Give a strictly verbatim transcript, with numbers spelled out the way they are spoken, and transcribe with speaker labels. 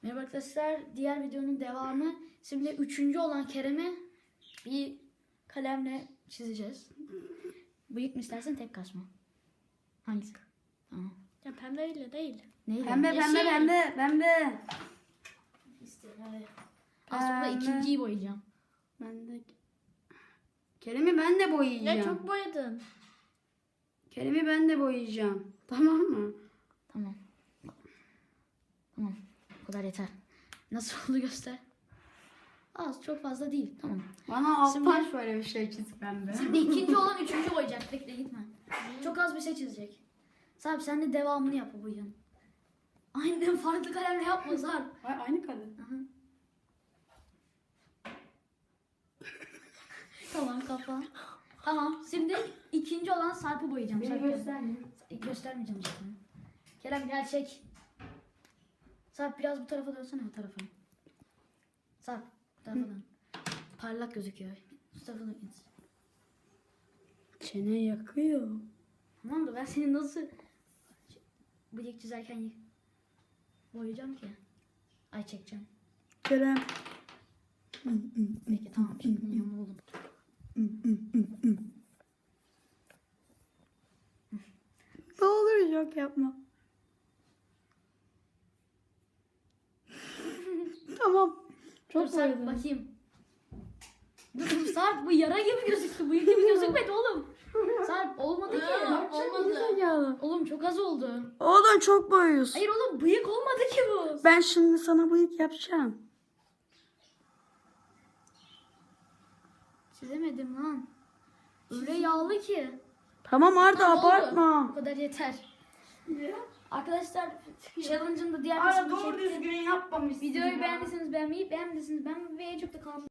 Speaker 1: Merhaba arkadaşlar, diğer videonun devamı. Şimdi üçüncü olan Kerem'e bir kalemle çizeceğiz. Bıyık mı istersen tek kaş mı? Hangisi? Tamam.
Speaker 2: Ya pembeyle değil.
Speaker 1: Neyle?
Speaker 3: Pembe pembe
Speaker 2: Yeşil.
Speaker 3: pembe pembe.
Speaker 1: İstedim, hadi. Aslında
Speaker 3: Pembe.
Speaker 1: ikinciyi boyayacağım.
Speaker 3: Ben de Kerem'i ben de boyayacağım.
Speaker 2: Ya çok boyadın.
Speaker 3: Kerem'i ben de boyayacağım. Tamam mı?
Speaker 1: Tamam. Tamam. Bu kadar yeter. Nasıl oldu göster. Az, çok fazla değil. Tamam.
Speaker 3: Bana alttan
Speaker 1: Şimdi-
Speaker 3: şöyle bir şey çiz pembe.
Speaker 1: Şimdi ikinci olan üçüncü boyayacak. Bekle gitme. Çok az bir şey çizecek. Sarp sen de devamını yap bu boyun. Aynen, farklı kalemle yapma Sarp.
Speaker 3: Ay, aynı kalem.
Speaker 1: Aha. Tamam kafa. Tamam, şimdi ikinci olan Sarp'ı boyayacağım. Sarp, gel. Göstermeyeceğim zaten. Kerem gel çek. Sarp biraz bu tarafa dönsene, bu tarafa. Sarp bu tarafa dön. Parlak gözüküyor. Bu tarafa dön.
Speaker 3: Çene yakıyor.
Speaker 1: Tamam da ben seni nasıl bıyık çizerken boyayacağım ki? Ay çekeceğim.
Speaker 3: Kerem.
Speaker 1: Peki tamam, çekmiyorum oğlum.
Speaker 3: Ne olur yok yapma. Tamam.
Speaker 1: Dur
Speaker 3: Çok
Speaker 1: Sarp
Speaker 3: boyadım.
Speaker 1: bakayım. Dur Sarp, bu yara gibi gözüktü. Bıyık gibi gözükmedi oğlum. Sarp olmadı ki.
Speaker 2: Ha, olmadı.
Speaker 1: Oğlum çok az oldu.
Speaker 3: Oğlum çok boyuyorsun.
Speaker 1: Hayır oğlum, bıyık olmadı ki bu.
Speaker 3: Ben şimdi sana bıyık yapacağım.
Speaker 1: Çizemedim lan. Öyle yağlı ki.
Speaker 3: Tamam Arda
Speaker 1: Tamam, oldu.
Speaker 3: abartma.
Speaker 1: Bu kadar yeter. Arkadaşlar challenge'ın da diğer
Speaker 3: Arda
Speaker 1: kısmını
Speaker 3: doğru
Speaker 1: çektim.
Speaker 3: düzgün yapmamışsın.
Speaker 1: Videoyu
Speaker 3: ya.
Speaker 1: beğendiyseniz beğenmeyi, beğenmediyseniz beğenmeyi ve en çok da kanalıma